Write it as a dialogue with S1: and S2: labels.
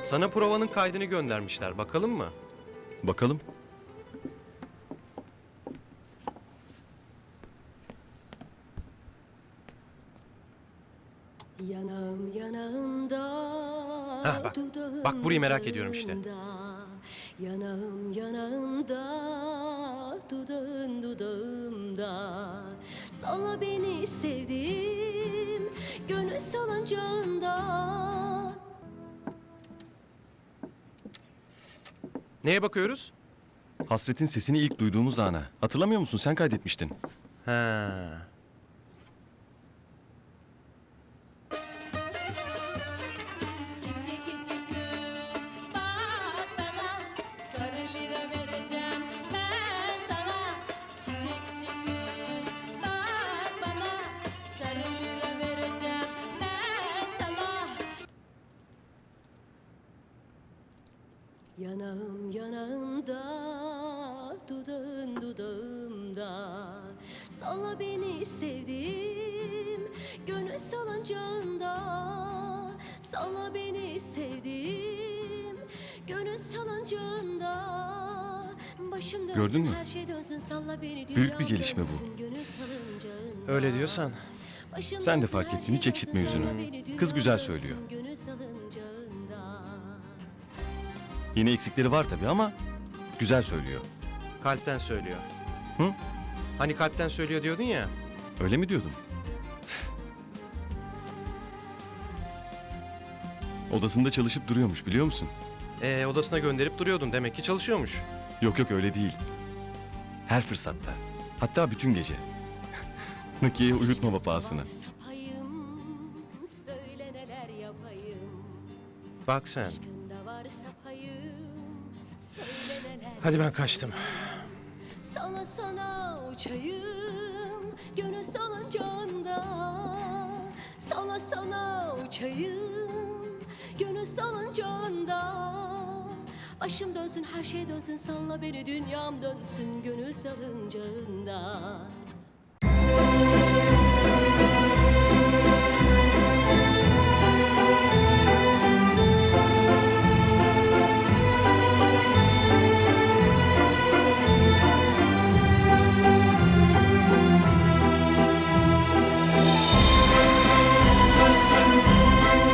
S1: Sana provanın kaydını göndermişler. Bakalım mı?
S2: Bakalım.
S3: Yanağım yanağında,
S1: Hah, bak.
S3: dudağım
S1: Bak burayı merak ediyorum işte.
S3: dudağında. Yanağım yanağında, dudağın dudağımda. Salla beni sevdiğim, gönül salıncağında.
S1: Neye bakıyoruz?
S2: Hasret'in sesini ilk duyduğumuz ana. Hatırlamıyor musun? Sen kaydetmiştin.
S1: Ha.
S3: Çiçek küçük kız, bak bana, sarı lira vereceğim ben sana. Çiçek küçük kız, bak bana, sarı lira vereceğim ben sana. Yanağım yanağında, dudağın dudağımda. Salla beni sevdiğim, gönül salıncağında. Salla beni sevdiğim, gönül salıncağında. Başım dönsün,
S2: Gördün mü?
S3: her şey dönsün, salla beni
S2: Büyük bir gelişme bu.
S3: dönsün, gönül salıncağında.
S1: Öyle diyorsan.
S3: Başım
S2: Sen de
S3: dönsün,
S2: fark
S3: her
S2: ettin,
S3: şey
S2: hiç eksiltme
S3: dönsün,
S2: yüzünü.
S3: salla beni
S2: Kız güzel
S3: dönsün,
S2: söylüyor.
S3: gönül salıncağında.
S2: Yine eksikleri var tabii ama güzel söylüyor.
S1: Kalpten söylüyor.
S2: Hı?
S1: Hani kalpten söylüyor diyordun ya.
S2: Öyle mi diyordum? Odasında çalışıp duruyormuş biliyor musun?
S1: Odasına gönderip duruyordun. Demek ki çalışıyormuş.
S2: Yok yok öyle değil. Her fırsatta. Hatta bütün gece. Nakiye'yi uyutma pahasına.
S3: Sapayım, söyle neler yapayım.
S1: Bak sen.
S3: Aşkında var sapayım, söyle neler
S1: Hadi ben kaçtım.
S3: sana sana uçayım, gönül salıncağında. Sana sana uçayım, gönül salıncağında. Başım dönsün, her şey dönsün, salla beni, dünyam dönsün, gönül salıncağında.